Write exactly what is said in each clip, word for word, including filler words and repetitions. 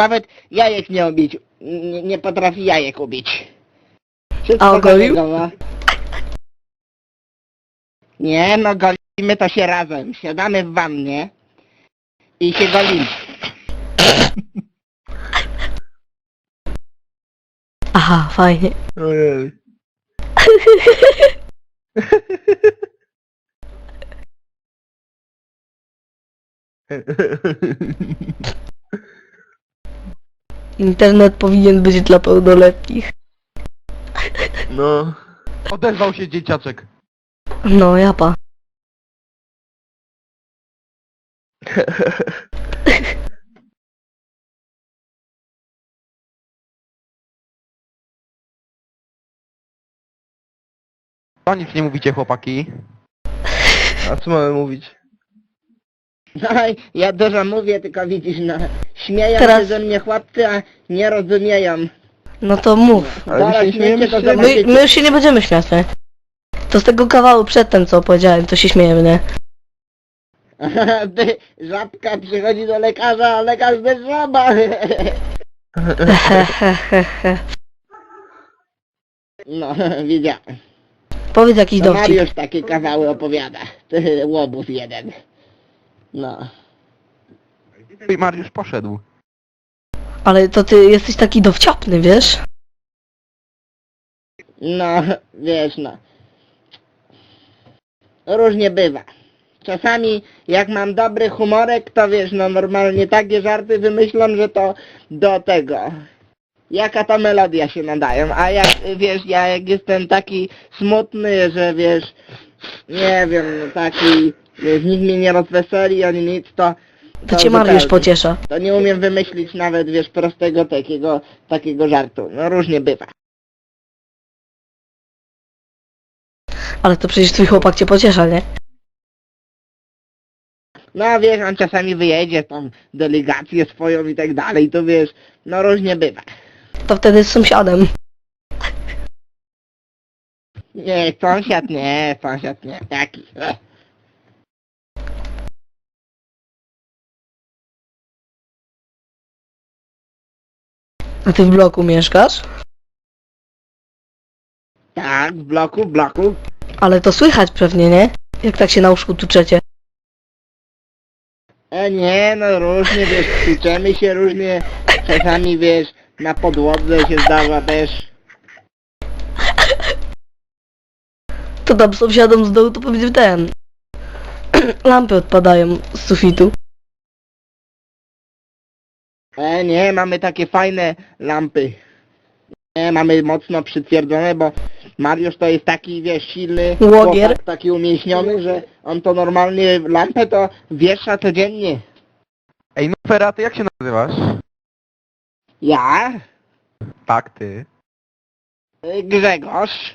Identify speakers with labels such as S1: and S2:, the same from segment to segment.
S1: Nawet jajek nie ubić. Nie, nie potrafi jajek ubić. Wszystko
S2: A ogolił?
S1: zaległo. Nie, no golimy to się razem. Siadamy w wannie i się golimy.
S2: Aha, fajnie.
S3: Ojej.
S2: Internet powinien być dla pełnoletnich.
S3: No. Odezwał się dzieciaczek.
S2: No, japa.
S3: To nic nie mówicie, chłopaki. A co mamy mówić?
S1: No ja dużo mówię, tylko widzisz, no. Śmieją
S2: Teraz-
S1: się ze mnie chłopcy, a nie rozumieją.
S2: No to mów.
S3: Ale my
S1: Zaraz
S3: się śmiejemy
S1: śmiecie, to
S3: się.
S2: My,
S1: zobaczycie.
S2: my już się nie będziemy śmiać, nie? To z tego kawału przedtem, co powiedziałem, to się śmiejemy, nie?
S1: Ty, żabka przychodzi do lekarza, a lekarz bez żaba.
S2: Hehehehe.
S1: No, wiedziałem.
S2: Powiedz jakiś
S1: To
S2: dowcip.
S1: Mariusz takie kawały opowiada. Ty, łobuz jeden. No.
S3: I Mariusz poszedł.
S2: Ale to ty jesteś taki dowciapny, wiesz?
S1: No, wiesz, no. Różnie bywa. Czasami jak mam dobry humorek, to wiesz, no normalnie takie żarty wymyślam, że to do tego. Jaka ta melodia się nadają, a jak, wiesz, ja jak jestem taki smutny, że wiesz, nie wiem, no taki, wiesz, nikt mnie nie rozweseli ani nic, to...
S2: To cię Mariusz
S1: zupełnie.
S2: pociesza.
S1: To nie umiem wymyślić nawet, wiesz, prostego takiego, takiego żartu. No różnie bywa.
S2: Ale to przecież twój chłopak cię pociesza, nie?
S1: No wiesz, on czasami wyjedzie tam delegację swoją i tak dalej, to wiesz, no różnie bywa.
S2: To wtedy z sąsiadem.
S1: Nie, sąsiad nie, sąsiad nie, taki. eh.
S2: A ty w bloku mieszkasz?
S1: Tak, w bloku, w bloku.
S2: Ale to słychać pewnie, nie? Jak tak się na łóżku tuczecie.
S1: E nie, no różnie, wiesz, kłócemy się różnie, czasami wiesz, na podłodze się zdarza też.
S2: To tam sąsiadom z dołu to powiedz ten. Lampy odpadają z sufitu.
S1: E nie, mamy takie fajne lampy. Nie, mamy mocno przytwierdzone, bo Mariusz to jest taki, wiesz, silny
S2: Łogier.
S1: chłopak, taki umięśniony, że on to normalnie lampę to wiesza codziennie.
S3: Ej, no Fera, ty jak się nazywasz?
S1: Ja?
S3: Tak, ty.
S1: Y, Grzegorz.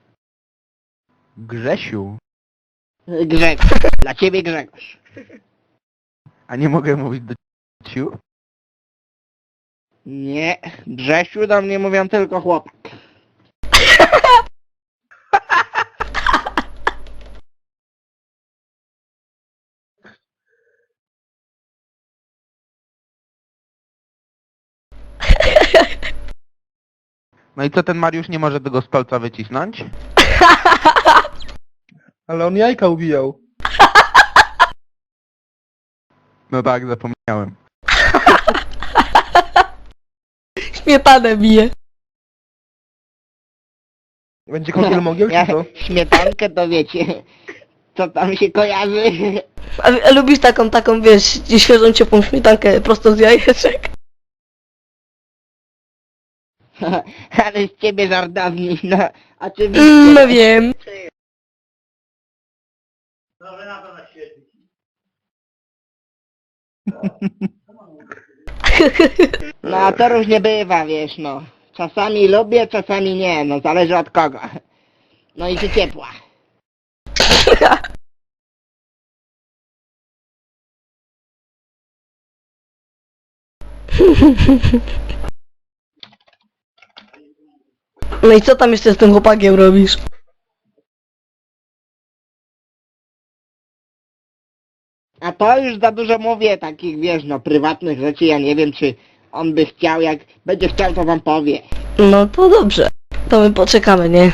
S3: Grzesiu.
S1: Y, Grzegorz. Dla ciebie Grzegorz.
S3: A nie mogę mówić do ciu?
S1: Nie, Grzesiu do mnie mówią tylko chłopak.
S3: No i co, ten Mariusz nie może tego z palca wycisnąć?
S4: Ale on jajka ubijał.
S3: No tak, zapomniałem.
S2: Śmietanę bije.
S4: Będzie kąpiel mogieł,
S1: Ja
S4: czy co?
S1: śmietankę to wiecie, co tam się kojarzy.
S2: A, a lubisz taką, taką, wiesz, świeżą, ciepłą śmietankę prosto z jajeczek?
S1: Ale z ciebie żardowni, no oczywiście.
S2: Mm, no wiem.
S1: No a to różnie bywa, wiesz, no. Czasami lubię, czasami nie, no zależy od kogo. No i czy ciepła.
S2: No i co tam jeszcze z tym chłopakiem robisz?
S1: A to już za dużo mówię, takich, wiesz, no prywatnych rzeczy, ja nie wiem, czy on by chciał, jak będzie chciał, to wam powie.
S2: No to dobrze. To my poczekamy, nie?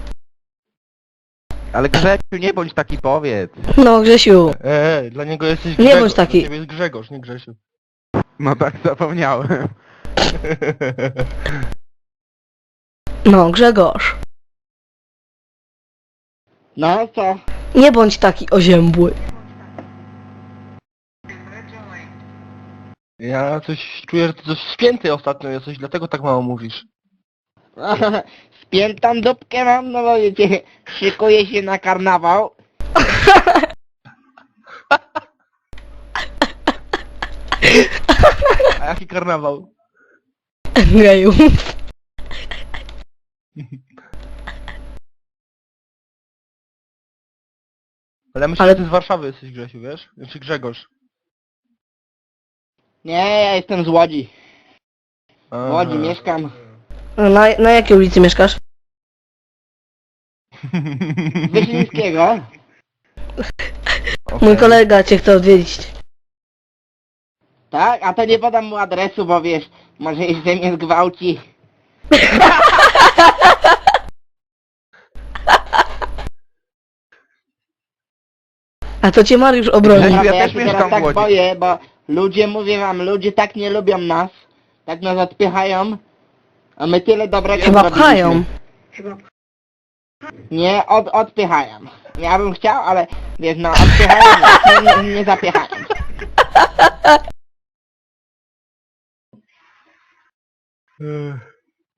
S3: Ale Grzesiu, nie bądź taki, powiedz.
S2: No Grzesiu,
S4: Eee, dla niego jesteś
S2: Nie
S4: Grzegorz.
S2: bądź taki.
S4: Dla ciebie jest Grzegorz, nie Grzesiu.
S3: No tak, zapomniałem.
S2: no Grzegorz.
S1: No co?
S2: Nie bądź taki oziębły.
S4: Ja coś czuję, że ty coś spięty ostatnio jesteś, dlatego tak mało mówisz.
S1: Spiętą dupkę mam, no bo wiecie, szykuję się na karnawał.
S4: A jaki karnawał?
S2: Geju.
S4: Ale myślę,
S2: Ale-
S4: że ty z Warszawy jesteś, Grzesiu, wiesz? Czy Grzegorz?
S1: Nie, ja jestem z Łodzi.
S4: A.
S1: W Łodzi mieszkam.
S2: Na, na jakiej ulicy mieszkasz?
S1: Wyszyńskiego.
S2: Mój
S4: Okej.
S2: kolega cię chce odwiedzić.
S1: Tak? A to nie podam mu adresu, bo wiesz, może jeszcze mnie zgwałci.
S2: A to cię Mariusz obroni.
S3: Grzesiu,
S1: Naprawdę,
S3: ja
S1: ja
S3: też
S1: się teraz
S3: mieszkam w
S1: tak
S3: Łodzi.
S1: boję, bo ludzie, mówię wam, ludzie tak nie lubią nas. Tak nas odpychają. A my tyle dobrego
S2: Chyba
S1: zrobiliśmy.
S2: pchają.
S1: Nie, od, odpychają. Ja bym chciał, ale wiesz, no odpychają nas, nie, nie, nie zapychają.
S4: Ech.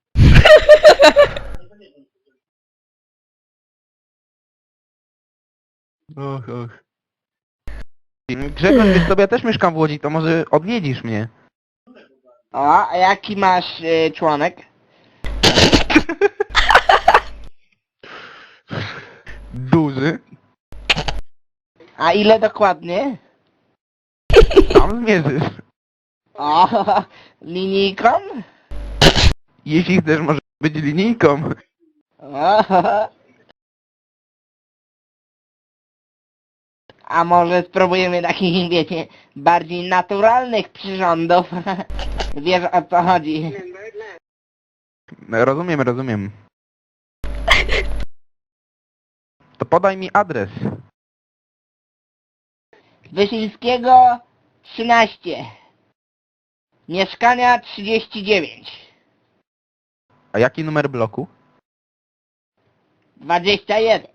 S4: Och, och.
S3: Grzegorz, wiesz sobie, ja też mieszkam w Łodzi, to może odwiedzisz mnie.
S1: O, a jaki masz y, członek?
S3: Duży.
S1: A ile dokładnie?
S3: Tam zmierzysz.
S1: O, linijką?
S3: Jeśli chcesz, może być linijką.
S1: O, a może spróbujemy takich, wiecie, bardziej naturalnych przyrządów? Wiesz o co chodzi?
S3: No, rozumiem, rozumiem. To podaj mi adres.
S1: Wyszyńskiego trzynaście. Mieszkania trzydzieści dziewięć.
S3: A jaki numer bloku?
S1: dwadzieścia jeden.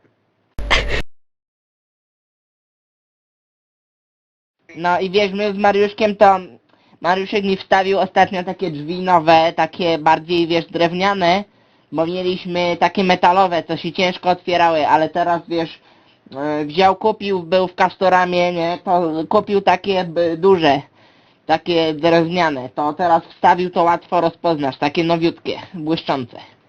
S1: No i wiesz, my z Mariuszkiem to... Mariuszek mi wstawił ostatnio takie drzwi nowe, takie bardziej, wiesz, drewniane, bo mieliśmy takie metalowe, co się ciężko otwierały, ale teraz, wiesz, e, wziął, kupił, był w Castoramie, nie, to kupił takie b, duże, takie drewniane, to teraz wstawił, to łatwo rozpoznasz, takie nowiutkie, błyszczące.